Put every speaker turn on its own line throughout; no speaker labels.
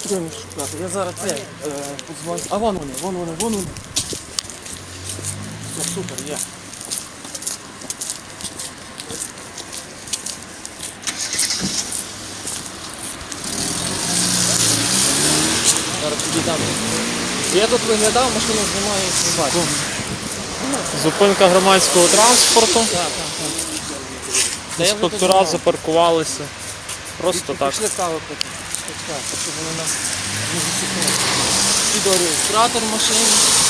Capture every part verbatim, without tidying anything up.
Будемо їх шукати. Я зараз це е, подзвоню. А вон вони, вон вони, вон вони. Все, супер, є. Зараз підійдемо. Я тут виглядав, машину знімаю і не бачу.
Зупинка громадського транспорту.
Так, так, так.
Інспектора запаркувалися. Просто так.
Пішли каву пити. Так, щоб вони нас не зачепили. Відеореєстратор машини.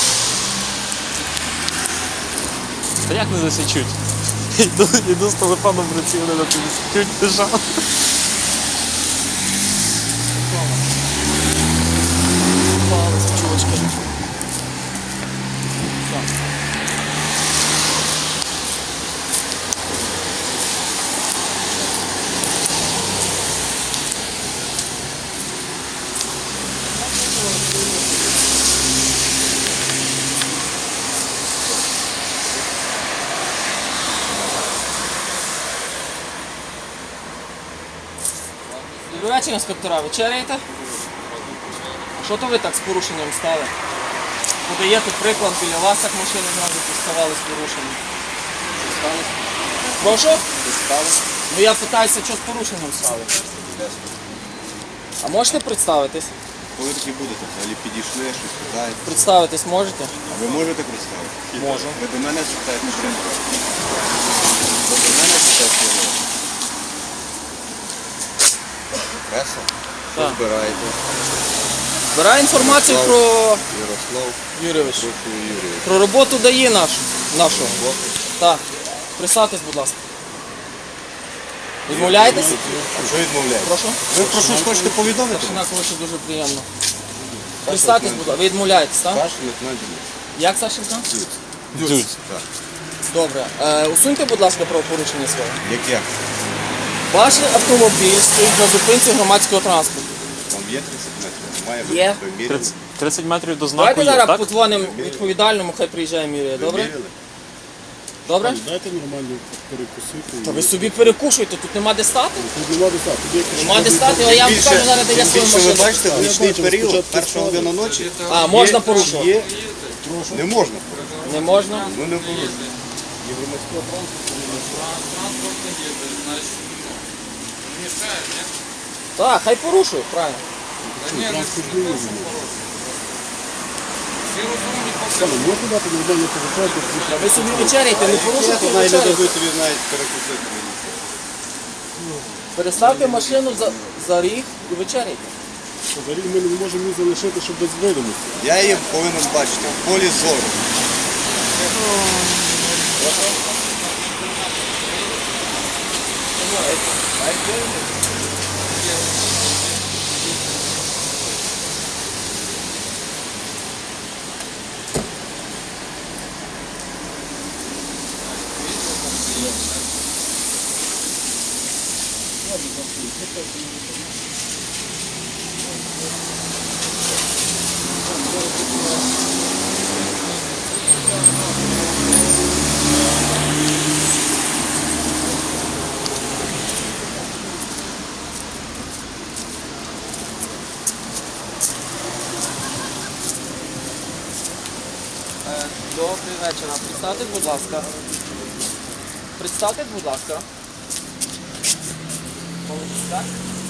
Та як не засічуть? Йду, йду з телефоном в руці, вони на тобі засічуть, держав.
Палець, чувачки. Так. Добрий вечір, інспектора. Вечеряєте? Що то ви так з порушенням стали? Подаєте приклад, біля вас так машини зразу поставали з порушенням. Прошу? Ну я питаюся, що з порушенням стали. А можете представитись?
Коли такі будете, взагалі підійшли, щось питаєте.
Представитись можете?
А ви можете представити?
Можу.
Ви до мене спитаєте, що ви до мене спитаєте. Преса? Що
Так.
збираєте?
Збираю інформацію про
Ярослав,
Юрійович.
прошу Юрій.
Про роботу дає нашу. нашу.
Хлопець.
Так. Представтесь, будь ласка. Відмовляєтесь?
А що відмовляєте?
Прошу?
Ви про щось хочете повідомити?
Старшина Ковача, дуже приємно. Представтесь, будь ласка. Ви відмовляєтесь, так?
Ваш лейтенант Дмитро.
Як Сашенька?
Дюц. Так.
Добре. Е, усуньте, будь ласка, правопорушення своє.
Яке?
Ваш автомобіль стоїть на зупинці громадського транспорту.
Там є тридцять метрів. Має
Є.
бути виміряли.
тридцять, тридцять метрів до знаку
Давайте
є,
зараз
так?
подзвонимо відповідальному, хай приїжджає міряє. Добре?
Виміряли?
Добре?
Дайте нормально перекусити.
Та ви собі перекушуйте, тут нема де стати.
Тут нема де стати. Тут є
Нема де стати, а я вам покажу зараз, де я
Тим
свою
більше ви
машину.
бачите, в нічний
бачу,
період,
спочатку
перша година ночі,
А, можна порушувати?
є, не можна.
Не можна?
Ну не порушуйте.
Так, хай порушує, правильно.
можна дати нормально повичати.
Ви собі вечеряйте, не порушуйте,
Навіть не
вечеряйте.
дадуть тобі навіть перекусити.
Переставте машину за, за ріг і вечеряйте.
Взагалі ми не можемо її залишити, щоб без видимості.
Я її повинен бачити в полі зору.
Добрий вечір. Представтесь, будь ласка. Представтесь, будь ласка. Так?